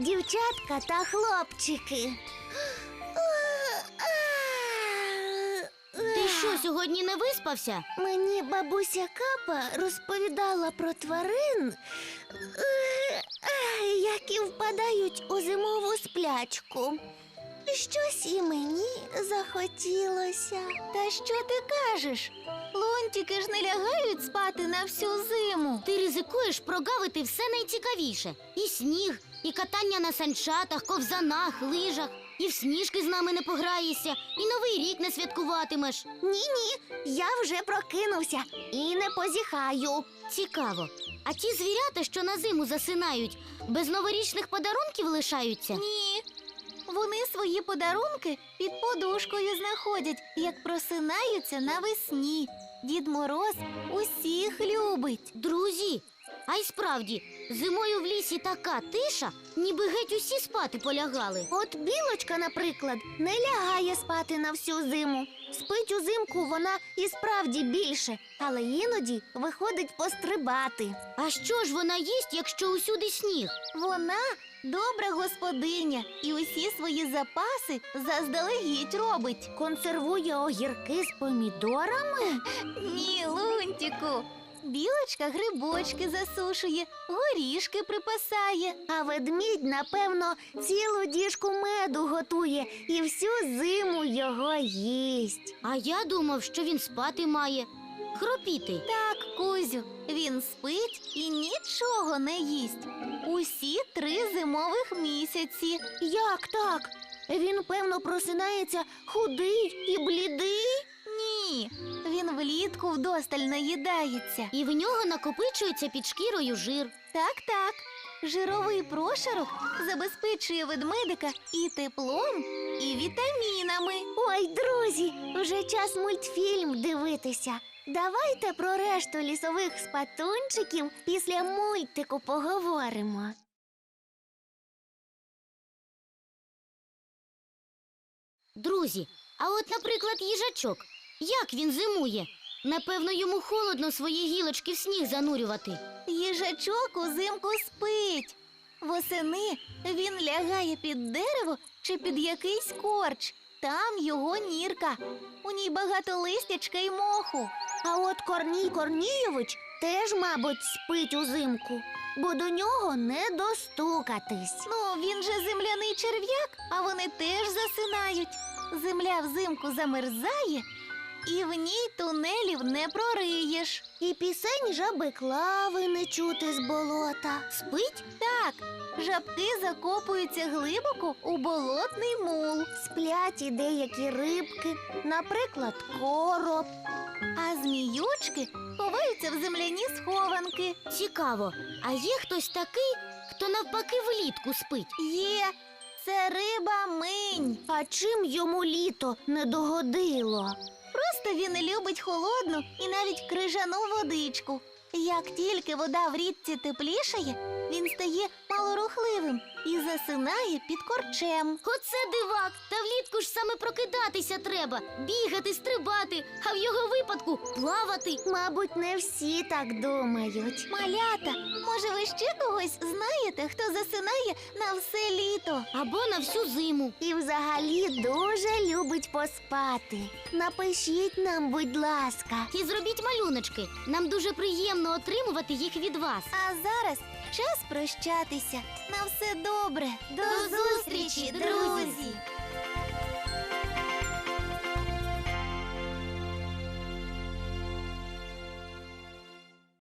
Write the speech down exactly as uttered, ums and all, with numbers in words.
дівчатка та хлопчики. Ти що, сьогодні не виспався? Мені бабуся Капа розповідала про тварин, які впадають у зимову сплячку. Щось і мені захотілося. Та що ти кажеш? Лунтики ж не лягають спати на всю зиму. Ти ризикуєш прогавити все найцікавіше. І сніг, і катання на санчатах, ковзанах, лижах. І в сніжки з нами не пограєшся, і Новий рік не святкуватимеш. Ні-ні, я вже прокинувся і не позіхаю. Цікаво. А ті звірята, що на зиму засинають, без новорічних подарунків лишаються? Ні. Вони свої подарунки під подушкою знаходять, як просинаються навесні. Дід Мороз усіх любить. Друзі, а й справді, зимою в лісі така тиша, ніби геть усі спати полягали. От білочка, наприклад, не лягає спати на всю зиму. Спить узимку вона і справді більше, але іноді виходить пострибати. А що ж вона їсть, якщо усюди сніг? Вона добра господиня і усі свої запаси заздалегідь робить. Консервує огірки з помідорами? Ні, Лунтику. Білочка грибочки засушує, горішки припасає. А ведмідь, напевно, цілу діжку меду готує і всю зиму його їсть. А я думав, що він спати має, хропіти. Так, Кузю, він спить і нічого не їсть. Усі три зимових місяці. Як так? Він, певно, просинається худий і блідий? Ні, він влітку вдосталь наїдається. І в нього накопичується під шкірою жир. Так-так, жировий прошарок забезпечує ведмедика і теплом, і вітамінами. Ой, друзі, вже час мультфільм дивитися. Давайте про решту лісових спатунчиків після мультику поговоримо. Друзі, а от, наприклад, їжачок. Як він зимує? Напевно, йому холодно свої гілочки в сніг занурювати. Їжачок узимку спить. Восени він лягає під дерево чи під якийсь корч. Там його нірка. У ній багато листячка й моху. А от Корній Корнійович теж, мабуть, спить узимку, бо до нього не достукатись. Ну, він же земляний черв'як, а вони теж засинають. Земля взимку замерзає, і в ній тунелів не прориєш. І пісень жаби Клави не чути з болота. Спить? Так. Жабки закопуються глибоко у болотний мул. Сплять і деякі рибки, наприклад, короб. А зміючки ховаються в земляні схованки. Цікаво, а є хтось такий, хто навпаки влітку спить? Є. Це риба минь. А чим йому літо не догодило? Просто він любить холодну і навіть крижану водичку. Як тільки вода в річці теплішає, він стає малорухливим і засинає під корчем. Оце дивак! Та влітку ж саме прокидатися треба, бігати, стрибати, а в його випадку плавати. Мабуть, не всі так думають. Малята, може ви ще когось знаєте, хто засинає на все літо? Або на всю зиму. І взагалі дуже любить поспати. Напишіть нам, будь ласка. І зробіть малюночки. Нам дуже приємно отримувати їх від вас. А зараз час прощатися. На все добре. До зустрічі, друзі!